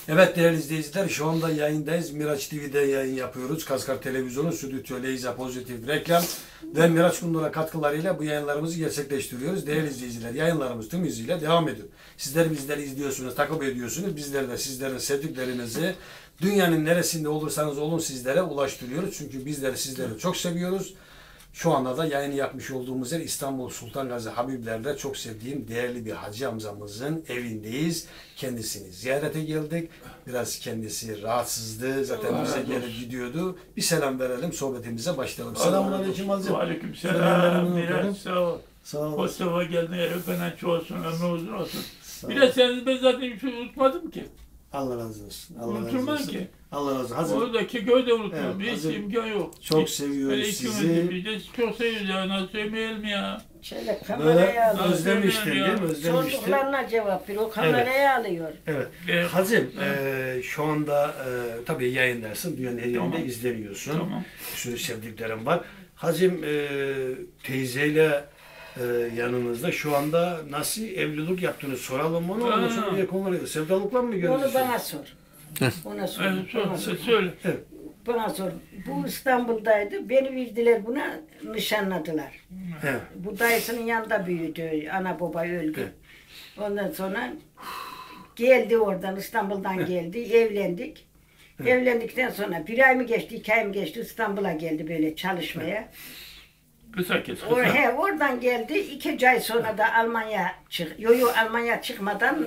Evet değerli izleyiciler, şu anda yayındayız. Miraç TV'de yayın yapıyoruz. Kaskar Televizyonu, Stüdyo Leyza Pozitif Reklam ve Miraç Kundura katkılarıyla bu yayınlarımızı gerçekleştiriyoruz. Değerli izleyiciler, yayınlarımız tüm hızıyla devam ediyor. Sizler bizleri izliyorsunuz, takip ediyorsunuz. Bizler de sizlerin sevdiklerinizi dünyanın neresinde olursanız olun sizlere ulaştırıyoruz. Çünkü bizleri sizleri çok seviyoruz. Şu anda da yayını yapmış olduğumuz yer İstanbul Sultan Gazi Habibler'de çok sevdiğim değerli bir hacı amcamızın evindeyiz. Kendisini ziyarete geldik. Biraz kendisi rahatsızdı. Zaten bize gelip gidiyordu. Bir selam verelim, sohbetimize başlayalım. Selamünaleyküm hacı. Aleykümselam. Miraç sağ ol. Sağ ol. Hoş sefa geldin. Öpenen olsun. Ömrü uzun olsun. Sağ Bir ol. de seni ben zaten hiç unutmadım ki. Allah razı olsun. Allah razı Unutulmam olsun. ki. Allah razı olsun. Hacı, Oradaki köyde unuturum. Evet, Hiç hazır. imkan yok. çok Hiç. seviyoruz Hele iki sizi. gün biz de çok seviyoruz ya. Nasıl sevmeyelim ya. Şöyle Böyle kameraya alıyor. özlemiştin değil mi? Özlemiştin. Sorduklarına cevap veriyor. O kameraya alıyor. Evet. Evet. Hacım, şu anda tabii yayındasın. Dünyanın her yerinde Tamam. izleniyorsun. Tamam. Bir sürü sevdiklerim var. Hacım, teyzeyle yanınızda şu anda nasıl evlilik yaptığını soralım onu. Ondan sonra diğer konuları sevdalıkla mı Onu görüyorsun? bana sor. Ona sor. Evet, Bana sor. söyle. Bana sor. Bu İstanbul'daydı. Beni verdiler buna, nişanladılar. Evet. Bu dayısının yanında büyüdü. Ana baba öldü. Evet. Ondan sonra geldi oradan, İstanbul'dan geldi. Evlendik. Evlendikten sonra bir ay mı geçti, 2 ay mı geçti, İstanbul'a geldi böyle çalışmaya. Kısa kes. Kısa. Oradan geldi. 2 ay sonra da Almanya Almanya çıkmadan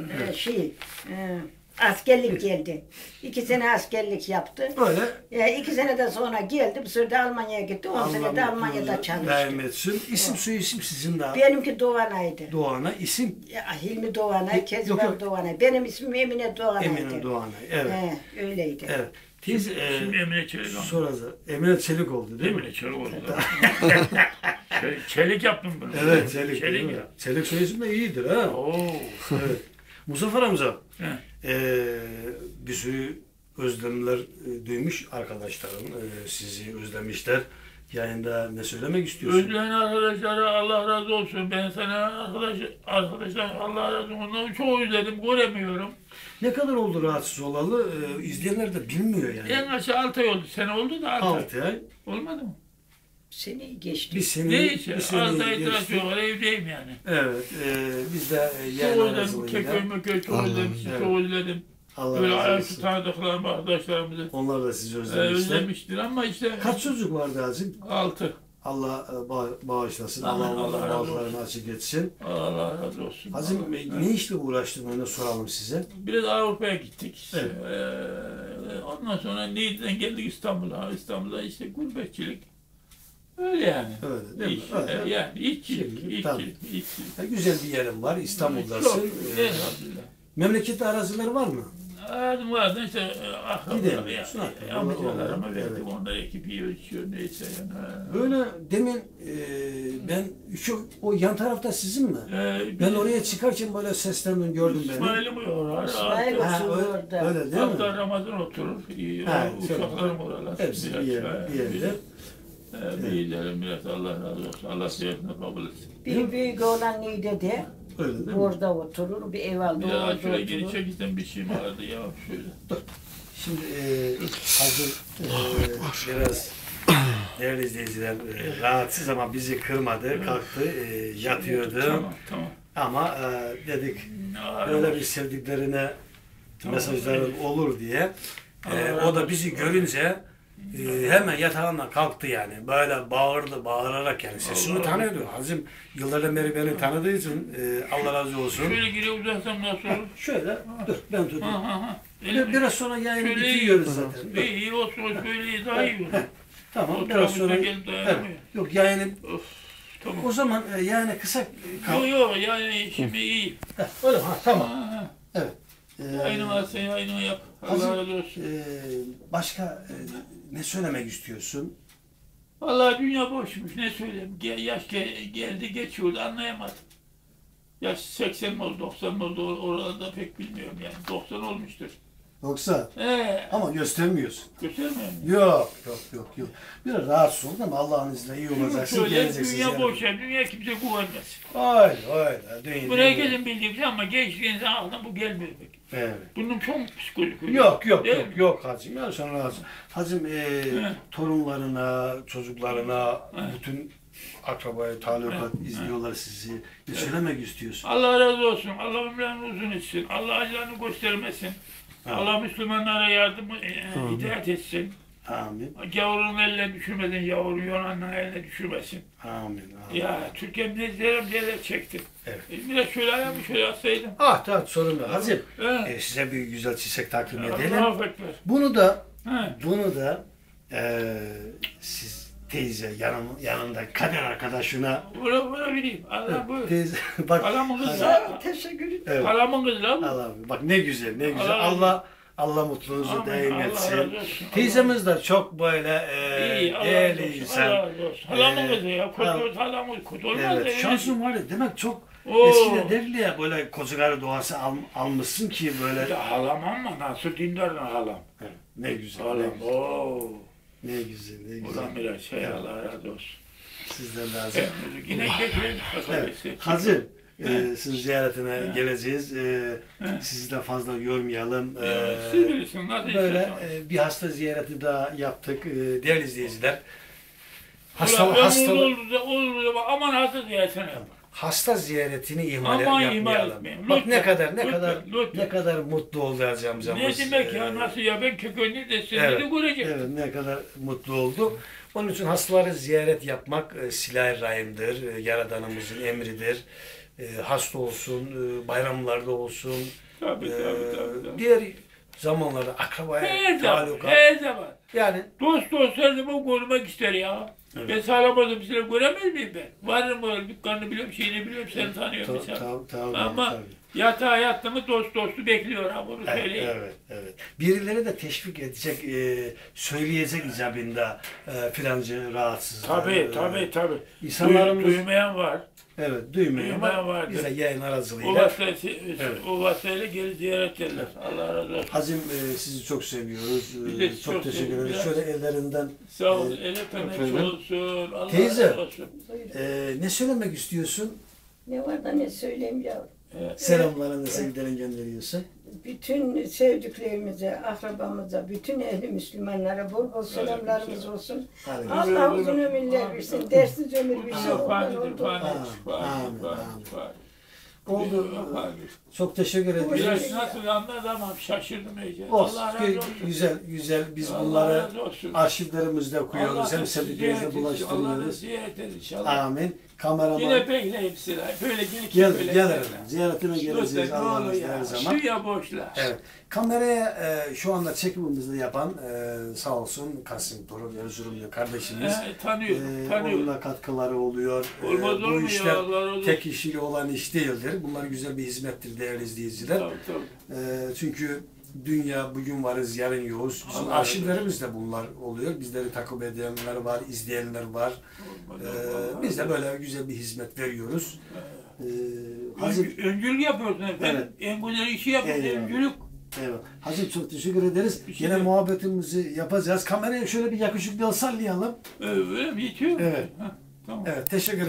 askerlik geldi. 2 sene askerlik yaptı. Böyle 2 seneden sonra geldi. Bir süre de Almanya'ya gitti. 10 sene de Almanya'da çalıştı. daim etsin. İsim soy isim sizin de. Benimki Doğanay'dı. Doğan'a isim Hilmi Doğanay, Yok, Kezban yok. Doğanay. Benim ismim Emine Doğanay'dı. Emine Doğan'a. Evet. Öyleydi. Evet. Teyze, Şimdi Emine Çelik oldu. sonra da Emine Çelik oldu değil mi? Emine Çelik oldu. Çelik yaptım bunu. Evet, Çelik. Çelik değil mi? ya. Çelik soy isim de iyidir ha. Oo. Evet. Muzaffer amca, He. bir sürü özlemler duymuş arkadaşlarım. Sizi özlemişler. Yayında ne söylemek istiyorsun? Özleyen arkadaşlara Allah razı olsun. Ben sana arkadaşlar Allah razı olsun. Onları çok özledim. Göremiyorum. Ne kadar oldu rahatsız olalı? İzleyenler de bilmiyor yani. En aşağı 6 ay oldu. Sene oldu da 6 ay. 6 ay. Olmadı mı? Seneyi geçti. Bir sene, Neyse. bir sene 6 ay tıraş geçti. yok. Evdeyim yani. Evet. Biz de Çok yayın özledim. arasında Keköy mököy çok özledim. Evet. Çok özledim. Allah Böyle razı ayakta olsun. tanıdıklarım, arkadaşlarımızı Onlar da sizi özlemişler. özlemiştir ama işte Kaç çocuk vardı Hacım? 6. Allah bağışlasın. Amin, Allah Allah onların razı bağışlarını açık etsin. Allah razı olsun. Hacım Allah- ne işle uğraştın onu soralım size. Biraz Avrupa'ya gittik. İşte. Evet. Ondan sonra Niğde'den geldik İstanbul'a. İstanbul'da işte gurbetçilik. Öyle yani. Öyle değil mi? İş, Öyle. yani işçilik, Şimdi, tabii. işçilik. Güzel bir yerim var. Çok, İstanbul'dasın. elhamdülillah. Memlekette arazileri var mı? Adım vardı işte Gidelim. akrabalarım, amcalarıma Evet. verdim. Onlar ekip yiyor, içiyor neyse yani. Böyle demin ben o yan tarafta sizin mi? Ben oraya çıkarken böyle seslendim gördüm beni. İsmail'im orar. İsmail Ha, oturdu öyle, orada. öyle değil mi? Hatta Ramazan oturur. Ha, Uşaklarım oralar. Hepsi bir yerde. Büyüklerim biraz Allah razı olsun. Allah ziyaretini kabul etsin. Bir büyük oğlan Niğde'de. Öyle değil mi? Orada oturur. Bir ev aldı. Bir daha Orada şöyle geri oturur. çekilsen bir şey vardı ya şöyle. Şimdi hazır biraz değerli izleyiciler rahatsız ama bizi kırmadı, kalktı, yatıyordu. Tamam, tamam. Ama dedik böyle bir sevdiklerine mesajların olur diye. O da bizi görünce hemen yatağından kalktı yani. Böyle bağırdı, bağırarak yani. Sesini tanıyordu. Hazım yıllardan beri beni tanıdığı için Allah razı olsun. Şöyle geri uzatsam nasıl olur? Şöyle, dur ben tutayım. Ha. Biraz sonra yayını Şöyle iyi. bitiriyoruz zaten. Dur. İyi olsun, şöyle iyi, daha iyi olur. Tamam, O biraz sonra... tarafta gelip dayanamıyor. Evet, yok yayını... Of, tamam. O zaman yani kısa... Yok yani şimdi iyi. Öyle ha, tamam. Ha. Evet. Aynı varsa aynı yap. Hazır, Allah razı olsun. başka ne söylemek istiyorsun? Vallahi dünya boşmuş ne söyleyeyim. Yaş geldi geçiyordu anlayamadım. Yaş 80 mi oldu 90 mı oldu oralarda pek bilmiyorum yani. 90 olmuştur. Yoksa ama göstermiyorsun. Göstermiyor mu? Yok. Biraz rahatsız oldun ama Allah'ın izniyle iyi olacaksın. Şöyle Geleceksin. dünya ziyaret. boş yer, dünya kimse güvenmez. Öyle. Bunu herkesin bildiği bir şey ama genç insan aklına bu gelmiyor pek. Evet. Bunun çok psikolojik. Yok hacım. Ya sen rahatsın. Hacım torunlarına, çocuklarına, bütün akrabaya, talukat izliyorlar sizi. Ne söylemek istiyorsun? Allah razı olsun. Allah ömrünü uzun etsin. Allah acılarını göstermesin. Allah Müslümanlara yardım hidayet etsin. Amin. Gavurun eline düşürmeden, yavru Yunan'ın eline düşürmesin. Amin. Ya Türkiye neler çekti. Evet. Biraz şöyle ayağımı şöyle atsaydım. Tamam sorun yok. Hacım size bir güzel çiçek takdim edelim. Allah ekber. Bunu da He. siz teyze yanında kader arkadaşına Buna bileyim. Allah buyur. teyze bak Halamın kızı. Teşekkür ederim. evet. Halamın kızı lan. Allah bak ne güzel. Allah mutluluğunuzu Amin, daim Allah etsin. razı olsun. Teyzemiz de çok böyle İyi, Allah razı değerli olsun. insan. Allah razı olsun. Halamın kızı ya. Allah- Halamın kötü olmaz. Evet, ya. şansın var ya demek çok Oo. eskiden derler ya böyle kocakarı doğası almışsın ki böyle. Ya halam ama nasıl dindar halam. Evet, ne güzel. Halam. Oo. Ne güzel. Ulan biraz şey Allah razı olsun. Sizden lazım. Yine getirelim. Evet. Hazır. Sizin ziyaretine geleceğiz. Sizi de fazla yormayalım. Siz bilirsiniz nasıl Böyle istiyorsan. bir hasta ziyareti daha yaptık. Değerli izleyiciler. Olur da aman hasta ziyaretine yap. Hasta ziyaretini ihmal Aman ihmal yapmayalım. etmeyin. Bak Lütfen, ne kadar mutlu olacağımız. Ne demek ya nasıl ya ben kökünü de seni de göreceğim. Evet ne kadar mutlu oldu. Onun için hastaları ziyaret yapmak silah-ı rahimdir. Yaradanımızın emridir. Hasta olsun, bayramlarda olsun. Tabii. Diğer zamanlarda akrabaya Her zaman, talukat. her zaman. Yani Dost her zaman görmek ister ya. Evet. Ben sağlamadım seni göremez miyim ben? Varım böyle dükkanını biliyorum, şeyini biliyorum, seni tanıyorum mesela. Ama yatağa yattı mı dostu bekliyor ha bunu söyleyeyim. Evet. Birileri de teşvik edecek, söyleyecek icabında filancı rahatsız. Tabii. İnsanlarımız Duymayan var. evet duymuyor ama Duymayan var. bize yayın aracılığıyla. O vasıtayla geri ziyaret ederler. Allah razı olsun. Hacım sizi çok seviyoruz. Biz de Çok çok teşekkür ederiz. seviyoruz. Şöyle ellerinden Sağ ol. El öpemek olsun. Allah Teyze. razı olsun. ne söylemek istiyorsun? Ne var da ne söyleyeyim yavrum. Selamlarını, sevgilerini gönderiyorsun. Bütün sevdiklerimize, akrabamıza, bütün ehli Müslümanlara bol bol selamlarımız olsun. Hadi. Allah uzun ömürler versin, dersiz ömür versin. Fani, Amin. Oldu. Çok teşekkür ediyoruz. Biraz nasıl anladı ama şaşırdım iyice. Olsun. Allah razı olsun. Güzel. Biz Allah bunları razı olsun. arşivlerimizde koyuyoruz. Allah Hem da sevdiklerimize ziyaret etsin, Allah da bulaştırıyoruz. ziyaret edin inşallah. Amin. Kameraman. Yine bekleyip sıra. Böyle gelip böyle. Gelirim. Ziyaretine geleceğiz Lütfen ne Allah'ın olur izniyle her ya. zaman. Suya boşla. Evet. Kameraya şu anda çekimimizi yapan sağ olsun Kasım Torun Erzurumlu kardeşimiz. Tanıyorum. Onunla katkıları oluyor. Olmaz olur Bu mu işler ya? Allah razı olsun. tek kişiyle olan iş değildir. Bunlar güzel bir hizmettir değerli izleyiciler. Tabii. Çünkü dünya bugün varız, yarın yoğuz. Bizim Allah arşivlerimizde bunlar oluyor. Bizleri takip edenler var, izleyenler var. Biz de böyle güzel bir hizmet veriyoruz. Öncülük yapıyorsun efendim. Evet. En güzel işi yapıyorsun. Eyvallah. Öncülük. Evet. Hacım çok teşekkür ederiz. Bir şey Yine yok. muhabbetimizi yapacağız. Kameraya şöyle bir yakışıklı sallayalım. Öyle mi? Yetiyor mu? Evet. Tamam. Evet, teşekkür